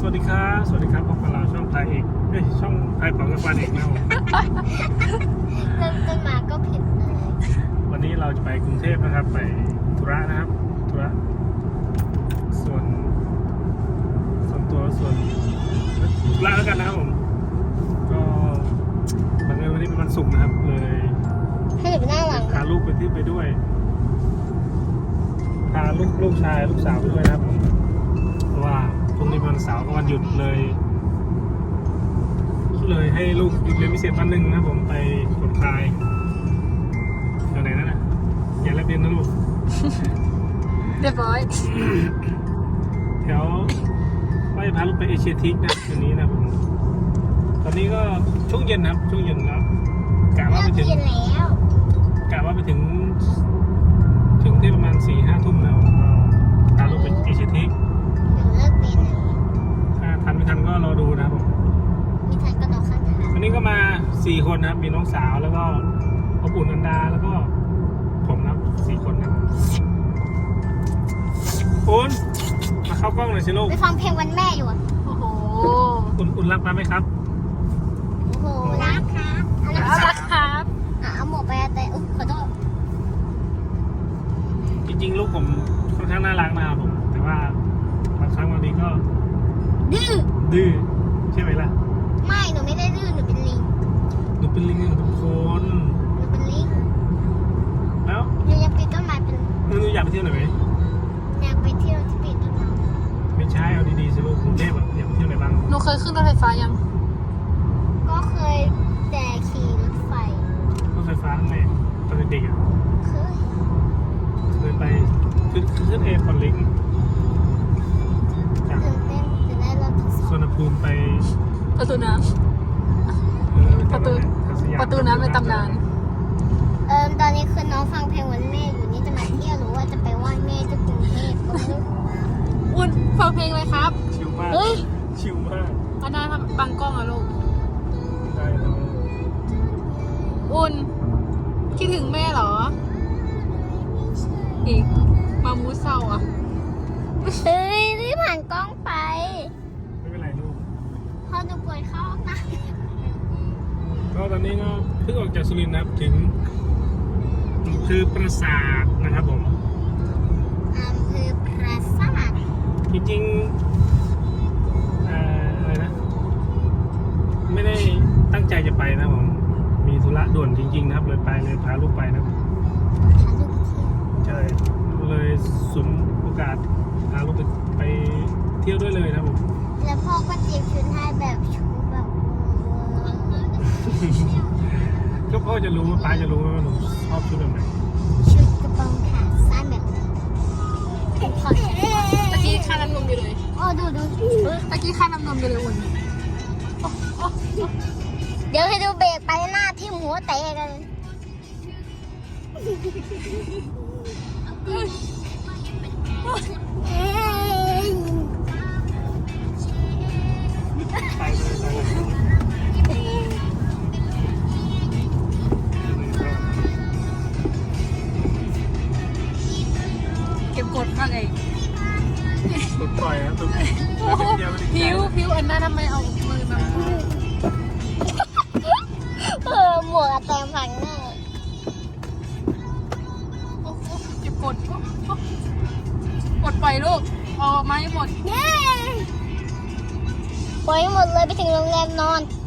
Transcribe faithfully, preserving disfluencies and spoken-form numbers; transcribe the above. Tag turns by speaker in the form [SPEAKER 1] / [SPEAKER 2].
[SPEAKER 1] วัสดีครับสวัสดีครับพบกับเราช่องไทยเอกเอ้ยช่องไทยเป๋ากับฟันเอกนะครับผม
[SPEAKER 2] เริ่มต้นมาก็ผิดเลย
[SPEAKER 1] วันนี้เราจะไปกรุงเทพนะครับ ไปธุระนะครับธุระส่วนส่วนตัวส่วนธุระแล้วกันนะครับผมก็บังเอิญวันนี้เป็นวันศุกร์นะครับเลย
[SPEAKER 2] ให้หนูไปหน้าหลัง
[SPEAKER 1] พาลูกไปที่ไปด้วยพาลูกลูกชายลูกสาวไปด้วยนะครับผมเพราะว่าพรุ่งนี้เป็นวันเสาร์กับวันหยุดเลย เลยให้ลูกหยุดเรียนพิเศษวันหนึ่งนะครับผมไปผ่อนคลายแถวไหนนั่นน่ะอย่าแลบเรียนนะลูก
[SPEAKER 3] เรียบร้อย
[SPEAKER 1] แถวว่าจะพาลูกไปเอเชียทิกนะคืนนี้นะผมตอนนี้ก็ช่วงเย็นนะครับช่วงเย็นแล้วกะว่า
[SPEAKER 2] เลิ
[SPEAKER 1] ไป
[SPEAKER 2] ก
[SPEAKER 1] ถึง
[SPEAKER 2] เรียนแล้ว
[SPEAKER 1] กะว่าไปถึง ถึงที่ประมาณสี่ห้าทุ่มแล้วก็พาลูกไปเอเชียทิก
[SPEAKER 2] หนูเลิกเรียนแล้ว
[SPEAKER 1] ถ้าทันไม่ทันก็รอดูนะครับผม
[SPEAKER 2] มีทันก็นอนข้างทาง
[SPEAKER 1] วันนี้ก็มาสี่คนนะครับมีน้องสาวแล้วก็พ่อปู่นันดาแล้วก็ผมนะครับสี่คนนะครับคุณมาเข้ากล้องหน่อยสิลูก
[SPEAKER 2] ไปฟังเพลงวันแม่อยู่อะ
[SPEAKER 3] โอ้โห
[SPEAKER 1] คุณคุณรักมาไหมครับ
[SPEAKER 2] โอ้โหรักครับอันนั้น
[SPEAKER 3] น่ารักครับ
[SPEAKER 2] อ่ะเอาหมวกไปแต่อุ๊ยขอโทษ
[SPEAKER 1] จริงๆลูกผมค่อนข้างน่ารักนะครับผมแต่ว่าบางครั้งบางทีก็
[SPEAKER 2] ดื้อ
[SPEAKER 1] ดื้อใช่ไหมล่ะ
[SPEAKER 2] ไม่หนูไม่ได้ดื้อหนูเป็นลิง
[SPEAKER 1] หนูเป็นลิงหนูเป็นคน
[SPEAKER 2] หนูเป็นลิง
[SPEAKER 1] แล้ว
[SPEAKER 2] หนูยังปีนต้นไม้เป็น
[SPEAKER 1] หนูอยากไปเที่ยวไหนไหม
[SPEAKER 2] อยากไปเที่ยวที่ปีนต้นไม้
[SPEAKER 1] ไม่ใช่เอาดีๆสิลูกกรุงเทพอะอยากไปเที่ยวไหนบ้าง
[SPEAKER 3] หนูเคยขึ้นรถไฟฟ้ายัง
[SPEAKER 2] ก็เคยแต่ขี่รถไฟ
[SPEAKER 1] รถไฟฟ้าไหนตอนเด็กๆอะ
[SPEAKER 2] เคย
[SPEAKER 1] เคยไปขึ้นขึ้นเอพอร์ตลิงจาก
[SPEAKER 2] ตื่นเต้นจะได้รอบที่ส
[SPEAKER 1] ส
[SPEAKER 2] อง
[SPEAKER 1] วนภูมิไป
[SPEAKER 3] ประตูน้
[SPEAKER 1] เออ
[SPEAKER 3] ประตู
[SPEAKER 1] ไปสยาม
[SPEAKER 3] ำประตูน้ำในตำนาน
[SPEAKER 2] เอิมตอนนี้คือน้องฟังเพลงวันแม่อยู่นี่จะมาเที่ยวหรือว่าจะไปไหว้แม่ที่กรุงเทพก็ไม่รู้
[SPEAKER 3] อุ่นฟังเพลงเลยครับ
[SPEAKER 1] ชิลมาก
[SPEAKER 3] เฮ้ย
[SPEAKER 1] ชิลมาก
[SPEAKER 3] อันนั้นทำบังกล้องอะลูก
[SPEAKER 1] ได้แล้ว
[SPEAKER 3] อุ่นคิดถึงแม่เหรอ อีกมามูเศร้าอ่ะ
[SPEAKER 2] เฮ้ยรีบผ่านกล้องไป
[SPEAKER 1] ไม่เป็นไรลูก
[SPEAKER 2] พอดูปวดเข้าห้องน้
[SPEAKER 1] ก็ตอนนี้ก็เพิ่งออกจากสุรินทร์นะครับถึงคือปราสาทนะครับผม
[SPEAKER 2] ำอำเภอปราสาท
[SPEAKER 1] จริงๆเอ่ออะไรนะ ไม่ได้ตั้งใจจะไปนะผม มีธุระด่วนจริง ๆ นะครับ เลยไปเลยพาลูกไปนะครับ
[SPEAKER 2] พาลูกไปเที่ยว
[SPEAKER 1] ใช่เลยสมโอกาสพาลูกไปไปเที่ยวด้วยเลยนะครับผม
[SPEAKER 2] แล้วพ่อก็เตรียมชุดให้แบบชุดแบบเวอร์
[SPEAKER 1] ก็พ่อจะรู้ว่าป้าจะรู้ว่าหนูชอบชุดแบบไหน
[SPEAKER 2] ชุดกระโปรงขาสั้นแบบขอดแขน
[SPEAKER 3] ตะกี้ค่าน้ำนมอยู่เลย
[SPEAKER 2] โอ้ดูดู
[SPEAKER 3] ตะกี้ค่าน้ำนมอยู่เลยอุ่น
[SPEAKER 2] เดี๋ยวให้ดูเบรกไปหน้าที่หัวเตะกัน
[SPEAKER 1] ไปเลยไปเลย
[SPEAKER 3] เก็บกดมากเลย
[SPEAKER 1] ปลดปล่อยนะตุ๊ก
[SPEAKER 3] โอ้โหผิวผิวอันนั้นทำไมเอามือมา
[SPEAKER 2] เออหมวกเต็มฝังหน้า
[SPEAKER 3] โอ้โหเก็บกดโอ้โหกดปล่อยลูกออกมาให้หมด
[SPEAKER 2] เย้ปล่อยหมดเลยไปถึงโรงแรมนอน